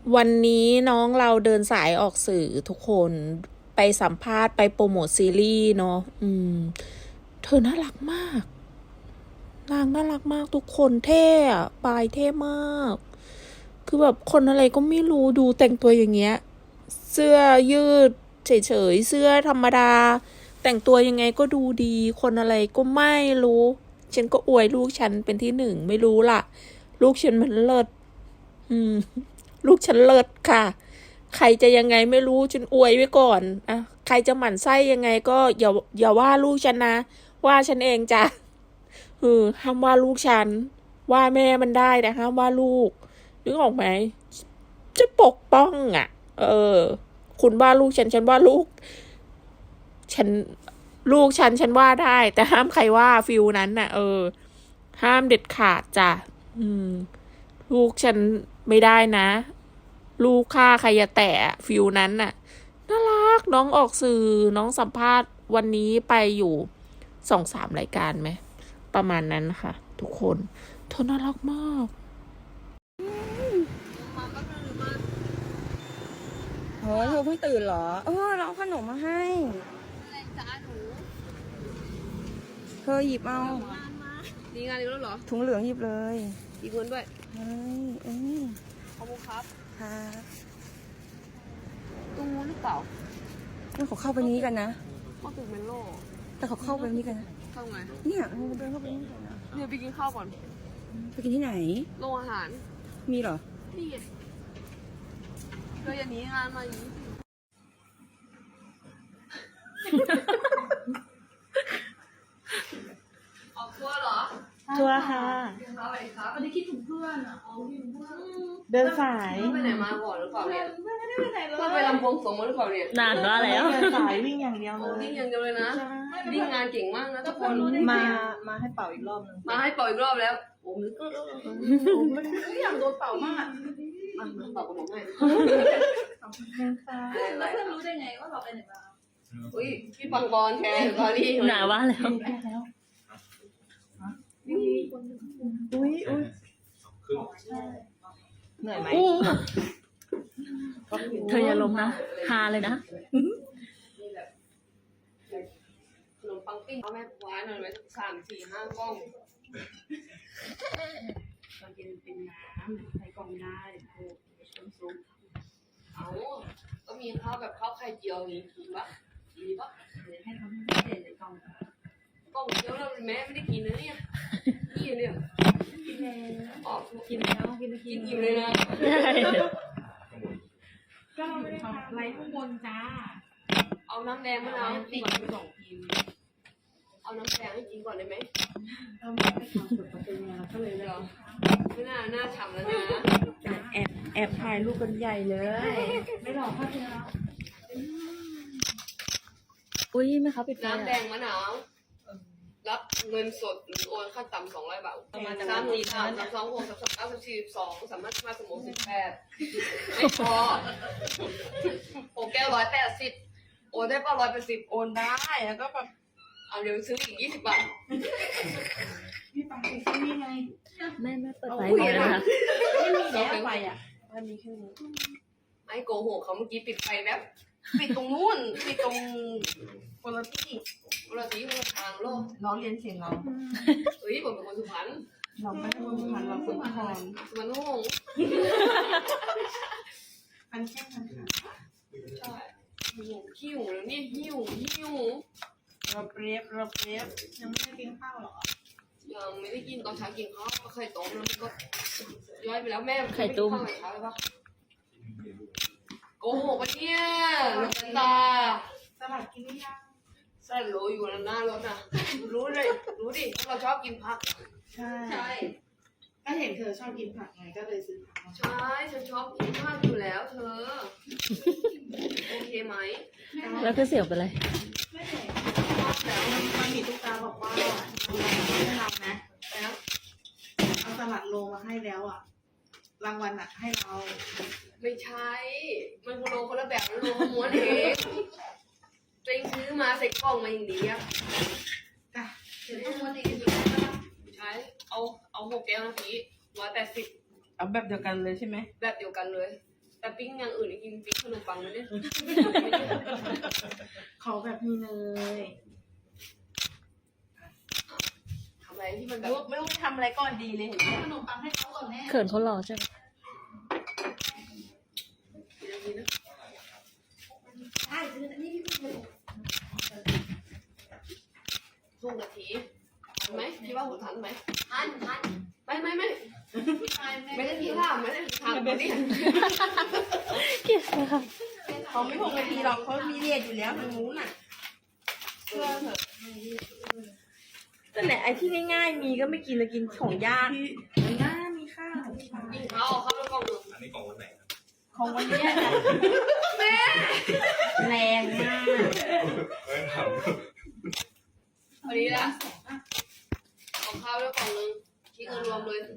วันนี้น้องเราเดินสายออกสื่อทุกคนไปสัมภาษณ์ไปโปรโมทซีรีส์เนาะเธอน่ารักมากนางน่ารักมากทุกคนเท่อะปายเท่มากคือแบบคนอะไรก็ไม่รู้ดูแต่งตัวอย่างเงี้ยเสื้อยืดเฉยๆเสื้อธรรมดาแต่งตัวยังไงก็ดูดีคนอะไรก็ไม่รู้ฉันก็อวยลูกฉันเป็นที่หนึ่งไม่รู้ล่ะลูกฉันมันเลิศอืม ลูกฉันเลิศค่ะใครจะยังไงไม่รู้ฉันอวยไว้ก่อนอะใครจะหมั่นไส้ยังไงก็อย่าว่าลูกฉันนะว่าฉันเองจ้ะห้ามว่าลูกฉันว่าแม่มันได้แต่ห้ามว่าลูกนึกออกไหมจะปกป้องอ่ะคุณว่าลูกฉันว่าลูกฉันลูกฉันว่าได้แต่ห้ามใครว่าฟิลนั้นน่ะห้ามเด็ดขาดจ้ะลูกฉันไม่ได้นะลูกค่าใครจะแตะฟิลนั้นน่ะน่ารักน้องออกสื่อน้องสัมภาษณ์วันนี้ไปอยู่2-3รายการไหมประมาณนั้นค่ะทุกคนเธอน่ารักมากโอ้ยเธอเพิ่งตื่นเหรอเราเอาขนมมาให้เธอหยิบเอาดีงานอีกแล้วเหรอถุงเหลืองหยิบเลยอีกเงินด้วยเฮ้ยขอบคุณครับครับตู้หรือเปล่าแล้วเขาเข้าไปนี้กันนะก็คือเมนโลแต่เขาเข้าไปนี้กันนะเข้าไงเนี่ยเราเดินเข้าไปนี่กันนะเดี๋ยวไปกินข้าวก่อนไปกินที่ไหนโรงอาหารมีเหรอนี่เราอย่าหนีงานมาอย่างนี้ออกทัวร์เหรอทัวร์ค่ะวันนี้คิดถึงเพื่อนอ่ะเดินสายไปไหนมาก่อนหรือเปล่าเนี่ยไม่ได้ไปไหนเลยไปลำบวงสรวงมาหรือเปล่าเนี่ยนานว่าแล้วเดินสายวิ่งอย่างเดียวเลยวิ่งอย่างเดียวเลยนะวิ่งงานเก่งมากนะทุกคนมาให้เป่าอีกรอบนึงมาให้เป่าอีกรอบแล้วโอ้โหอยากโดนเป่ามากเป่ากับผมให้แล้วเพื่อนรู้ได้ไงว่าเราไปไหนมาอุ้ยพี่ปังบอลแชร์สตอรี่หนาว่าแล้วเหนื่อยไหมเธออย่าล้มนะฮาเลยนะขนมปังปิ้งเอาแม่คว้าหน่อยไหม3-4-5 กล้องตอนกินเป็นน้ำใส่กล่องได้โอ้น้ำซุปเอาก็มีข้าวแบบข้าวไข่เจียวนี้กินปะมีปะให้ทำให้เด่นในกล่องเดียวเราแม่ไม่ได้กินนะเนี่ยนี่เนี่ยกินแล้วออกกินแล้วกินอิ่มเลยนะก็ไม่ได้ทำอะไรข้างบนจ้าเอาน้ำแดงมะนาวติด2 พิมพ์เอาน้ำแดงให้กินก่อนได้ไหมเราไม่ได้ทำสุดประตูแล้วก็เลยเหรอไม่น่าฉ่ำแล้วนะแอบถ่ายรูปกันใหญ่เลยไม่หลอกพ่อเธอแล้วอุ้ยแม่ค้าปิดไฟน้ำแดงมะนาวรับเงินสดหรือโอนขั้นต่ำ200 บาท3-4-3-2-6-3-9-42สามารถมาสมุน18ไม่พอ6 แก้ว180โอนได้ป่ะ180 โอนได้แล้วก็แบบเอาเดี๋ยวซื้ออีก20 บาทพี่ปังไปที่นี่ไงแม่เปิดไฟเลยนะคะไม่มีแล้วไฟอ่ะมันมีแค่นี้ไอ้โกหกเขาเมื่อกี้ปิดไฟแบบปิดตรงนู้นปิดตรงคนละที่คนละทางโลกล้อเลียนเสียงเราเฮ้ยผมเป็นคนสุพรรณเราไม่ได้คนสุพรรณเราคนนครสุพรรณหงส์อันแค่นั้นค่ะใช่หิวแล้วเนี่ยหิวเราเปรียบยังไม่ได้กินข้าวหรอยังไม่ได้กินตอนเช้ากินข้าวไข่ต้มแล้วมันก็ย้อยไปแล้วแม่ไข่ต้มเช้าเลยปะโกหกปะเนี่ยลูกตาสลัดกินหรือยังใส่โรยอยู่หน้ารถน่ะรู้ดิเราชอบกินผักใช่ก็เห็นเธอชอบกินผักไงก็เลยซื้อผักใช่ฉันชอบกินผักอยู่แล้วเธอโอเคไหมแล้วก็เสียวไปเลยไม่เห็นแล้วมันมีตุ๊กตาบอกว่าให้เรานะเอาสลัดโลมาให้แล้วอ่ะรางวัลอ่ะให้เราไม่ใช่มันโลคนละแบบโลม้วนเองตัวเองซื้อมาใส่กล่องมาอย่างดีอ่ะเดี๋ยวต้องม้วนเองใช่เอา6 แก้วนาที180 เอาแบบเดียวกันเลยใช่ไหมแบบเดียวกันเลยแต่ปิ้งอย่างอื่นกินปิ้งขนมปังไม่ได้เขาแบบมีเนยทำอะไรที่มันแบไม่บรู้ไม่รู้ไปทำอะไรก่อนดีเลยเห็นไหมขนมปังให้เขาก่อนแม่เขินเขาหล่อใช่ไหมใช่ซื้อนี่พี่พูดเลยทุ่งกะทิทันไหมคิดว่าผมทันไหมทันไม่ไม่ได้ทีท่าไม่ได้ทีท่าไม่ได้เขาไม่พงนาทีหรอกเขามีเรียนอยู่แล้วทางนู้นน่ะเชื่อเถอะแต่ไหนไอ้ที่ง่ายๆมีก็ไม่กินเลยกินของยากมันน่ามีข้าวกินข้าวข้าวแล้วกล่องหนึ่งอันนี้กล่องวันไหนครับของวันนี้นะแรงมากไม่ถามพอดีละของข้าวแล้วกล่องหนึ่งคิดเงินรวมเลย